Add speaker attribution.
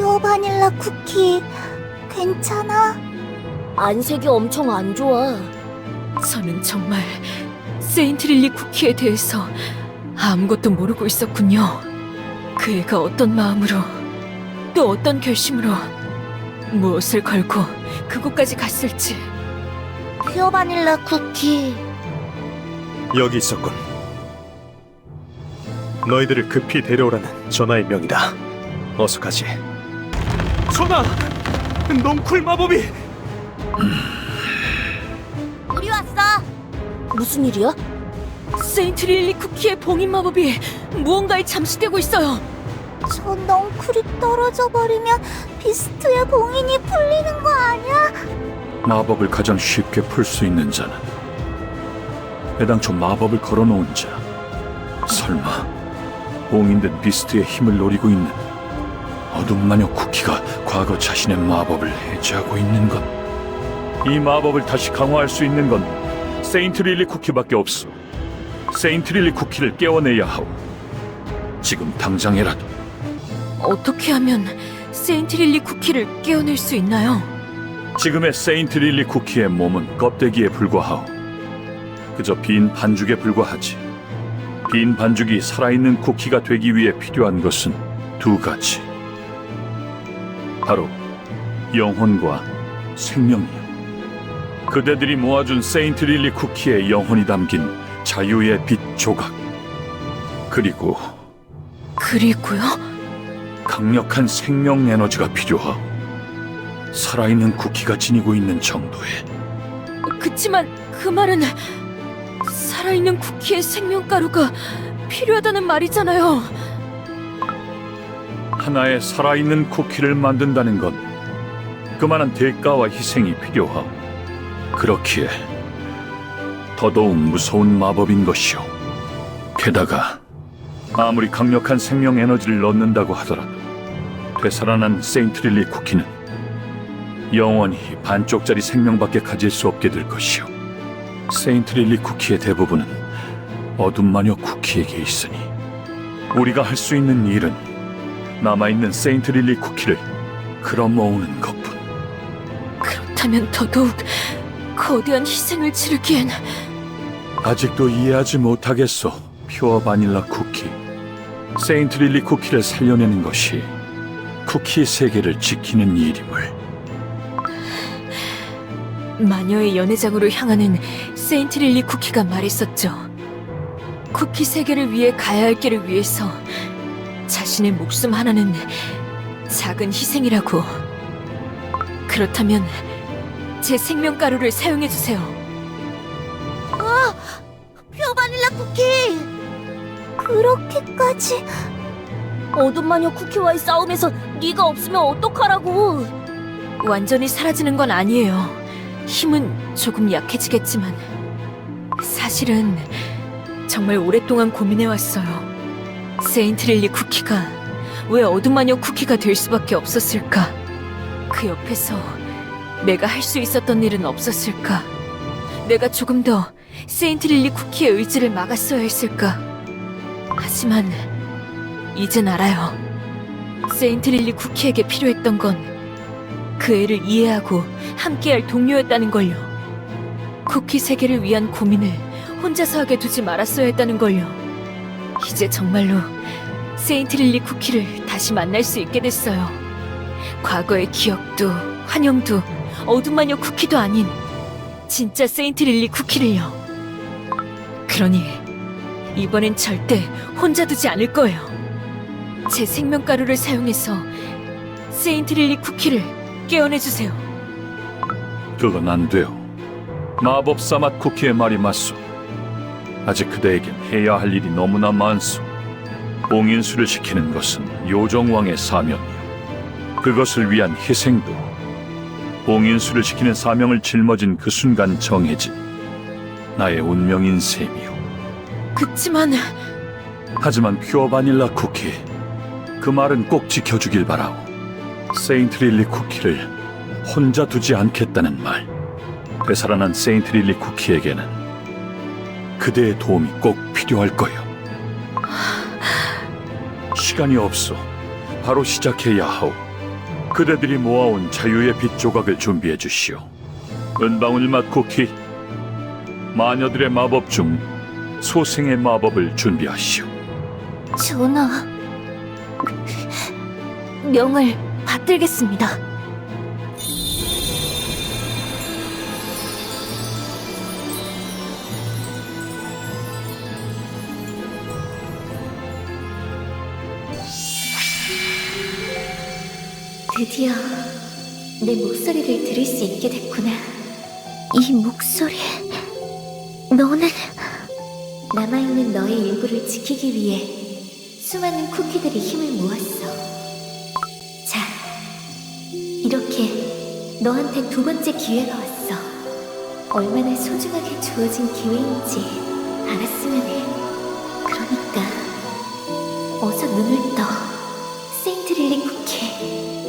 Speaker 1: 퓨어 바닐라 쿠키 괜찮아?
Speaker 2: 안색이 엄청 안 좋아.
Speaker 3: 저는 정말 세인트릴리 쿠키에 대해서 아무것도 모르고 있었군요. 그 애가 어떤 마음으로, 또 어떤 결심으로 무엇을 걸고 그곳까지 갔을지.
Speaker 1: 퓨어 바닐라 쿠키.
Speaker 4: 여기 있었군. 너희들을 급히 데려오라는 전하의 명이다. 어서 가지. 전하! 넝쿨 마법이!
Speaker 1: 우리 왔어.
Speaker 2: 무슨 일이야?
Speaker 3: 세인트릴리 쿠키의 봉인 마법이 무언가에 잠시되고 있어요.
Speaker 1: 저 넝쿨이 떨어져 버리면 비스트의 봉인이 풀리는 거 아니야?
Speaker 5: 마법을 가장 쉽게 풀 수 있는 자는 애당초 마법을 걸어놓은 자. 설마 봉인된 비스트의 힘을 노리고 있는 어둠 마녀 쿠키가 과거 자신의 마법을 해제하고 있는 것. 이 마법을 다시 강화할 수 있는 건 세인트릴리 쿠키밖에 없어. 세인트릴리 쿠키를 깨워내야 하오. 지금 당장이라도.
Speaker 3: 어떻게 하면 세인트릴리 쿠키를 깨어낼 수 있나요?
Speaker 5: 지금의 세인트릴리 쿠키의 몸은 껍데기에 불과하오. 그저 빈 반죽에 불과하지. 빈 반죽이 살아있는 쿠키가 되기 위해 필요한 것은 두 가지. 바로 영혼과 생명이요. 그대들이 모아준 세인트릴리 쿠키의 영혼이 담긴 자유의 빛 조각. 그리고요? 강력한 생명 에너지가 필요하오. 살아있는 쿠키가 지니고 있는 정도의.
Speaker 3: 그치만 그 말은 살아있는 쿠키의 생명가루가 필요하다는 말이잖아요.
Speaker 5: 하나의 살아있는 쿠키를 만든다는 건 그만한 대가와 희생이 필요하오. 그렇기에 더더욱 무서운 마법인 것이오. 게다가 아무리 강력한 생명 에너지를 넣는다고 하더라도 되살아난 세인트릴리 쿠키는 영원히 반쪽짜리 생명밖에 가질 수 없게 될 것이오. 세인트릴리 쿠키의 대부분은 어둠 마녀 쿠키에게 있으니 우리가 할 수 있는 일은 남아있는 세인트릴리 쿠키를 끌어모으는 것뿐.
Speaker 3: 그렇다면 더더욱 거대한 희생을 치르기엔
Speaker 5: 아직도 이해하지 못하겠소, 퓨어 바닐라 쿠키. 세인트릴리 쿠키를 살려내는 것이 쿠키 세계를 지키는 일임을.
Speaker 3: 마녀의 연회장으로 향하는 세인트릴리 쿠키가 말했었죠. 쿠키 세계를 위해 가야 할 길을 위해서 자신의 목숨 하나는 작은 희생이라고. 그렇다면 제 생명가루를 사용해주세요.
Speaker 1: 퓨어 바닐라 쿠키. 그렇게까지.
Speaker 2: 어둠 마녀 쿠키와의 싸움에서 네가 없으면 어떡하라고.
Speaker 3: 완전히 사라지는 건 아니에요. 힘은 조금 약해지겠지만 사실은 정말 오랫동안 고민해왔어요. 세인트릴리 쿠키가 왜 어둠 마녀 쿠키가 될 수밖에 없었을까? 그 옆에서 내가 할 수 있었던 일은 없었을까? 내가 조금 더 세인트릴리 쿠키의 의지를 막았어야 했을까? 하지만 이젠 알아요. 세인트릴리 쿠키에게 필요했던 건 그 애를 이해하고 함께할 동료였다는 걸요. 쿠키 세계를 위한 고민을 혼자서 하게 두지 말았어야 했다는 걸요. 이제 정말로 세인트릴리 쿠키를 다시 만날 수 있게 됐어요. 과거의 기억도 환영도 어둠 마녀 쿠키도 아닌 진짜 세인트릴리 쿠키를요. 그러니 이번엔 절대 혼자 두지 않을 거예요. 제 생명가루를 사용해서 세인트릴리 쿠키를 깨어내주세요.
Speaker 5: 그건 안 돼요. 마법사 맛 쿠키의 말이 맞소. 아직 그대에겐 해야 할 일이 너무나 많소. 봉인수를 시키는 것은 요정왕의 사명이요. 그것을 위한 희생도 봉인수를 시키는 사명을 짊어진 그 순간 정해진 나의 운명인 셈이요.
Speaker 3: 그치만
Speaker 5: 하지만 퓨어 바닐라 쿠키, 그 말은 꼭 지켜주길 바라오. 세인트릴리 쿠키를 혼자 두지 않겠다는 말. 되살아난 세인트릴리 쿠키에게는 그대의 도움이 꼭 필요할 거요. 시간이 없어. 바로 시작해야 하오. 그대들이 모아온 자유의 빛 조각을 준비해 주시오. 은방울 맛 쿠키, 마녀들의 마법 중 소생의 마법을 준비하시오.
Speaker 2: 전하, 명을 받들겠습니다.
Speaker 1: 드디어 내 목소리를 들을 수 있게 됐구나. 이 목소리... 너는... 남아있는 너의 일부를 지키기 위해 수많은 쿠키들이 힘을 모았어. 자, 이렇게 너한테 두 번째 기회가 왔어. 얼마나 소중하게 주어진 기회인지 알았으면 해. 그러니까 어서 눈을 떠, 세인트 릴리 쿠키.